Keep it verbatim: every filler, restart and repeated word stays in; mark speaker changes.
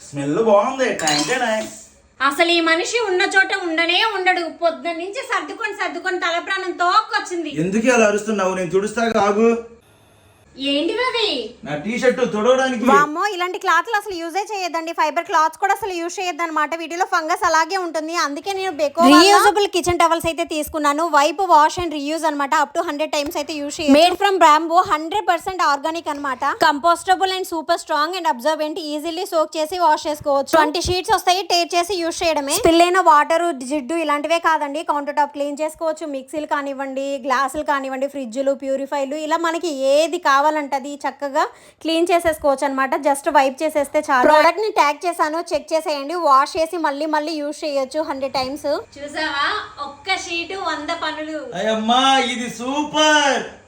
Speaker 1: Smell బాగుంది. టైంకేనా
Speaker 2: అసలు ఈ మనిషి ఉన్న చోట ఉండనే ఉండడు. పొద్దున్న నుంచి సర్దుకొని సర్దుకొని తల ప్రాణం తోక్కొచ్చింది.
Speaker 1: ఎందుకు అలా అరుస్తున్నావు? నేను తుడుస్తా ఆగు.
Speaker 2: ఏంటివి అవి?
Speaker 1: నా టీ షర్ట్ తుడవడానికి.
Speaker 3: వామ్మో, ఇలాంటి క్లాత్లు అసలు యూజే చేయొద్దండి. ఫైబర్ క్లాత్స్ కూడా అసలు యూజ్ చేయొద్దు అనమాట. వీటిలో ఫంగస్ అలాగే ఉంటుంది. అందుకే నేను బెకో రీయూజబుల్ కిచెన్ టవల్స్ అయితే తీసుకున్నాను. వైప్ వాష్ అండ్ రీయూజ్ అనమాట. అప్ టు హండ్రెడ్ టైమ్స్ అయితే యూజ్ చేయొచ్చు. Made from bamboo, hundred percent organic అనమాట. Compostable and super strong and absorbent. Easily soak చేసి వాష్ చేసుకోవచ్చు. ట్వంటీ షీట్స్ వస్తాయి. టేర్ చేసి యూజ్ చేయడమే. స్పిల్ అయిన వాటర్, జిడ్డు ఇలాంటివే కాదండి, కౌంటర్ టాప్ క్లీన్ చేసుకోవచ్చు. మిక్సీలు కానివ్వండి, గ్లాసులు కానివ్వండి, ఫ్రిడ్జ్లు, ప్యూరిఫైర్లు, ఇలా మనకి ఏది కావాలంటే అది చక్కగా క్లీన్ చేసేసుకోవచ్చు అనమాట. జస్ట్ వైప్ చేసేస్తే చాలు. ప్రోడక్ట్ ని ట్యాగ్ చేశాను, చెక్ చేసేయండి. వాష్ చేసి మళ్ళీ మళ్ళీ యూజ్ చేయొచ్చు హండ్రెడ్ టైమ్స్.
Speaker 2: చూసావా, ఒక్క షీటు వంద పనులు.
Speaker 1: అయ్యమ్మా ఇది సూపర్.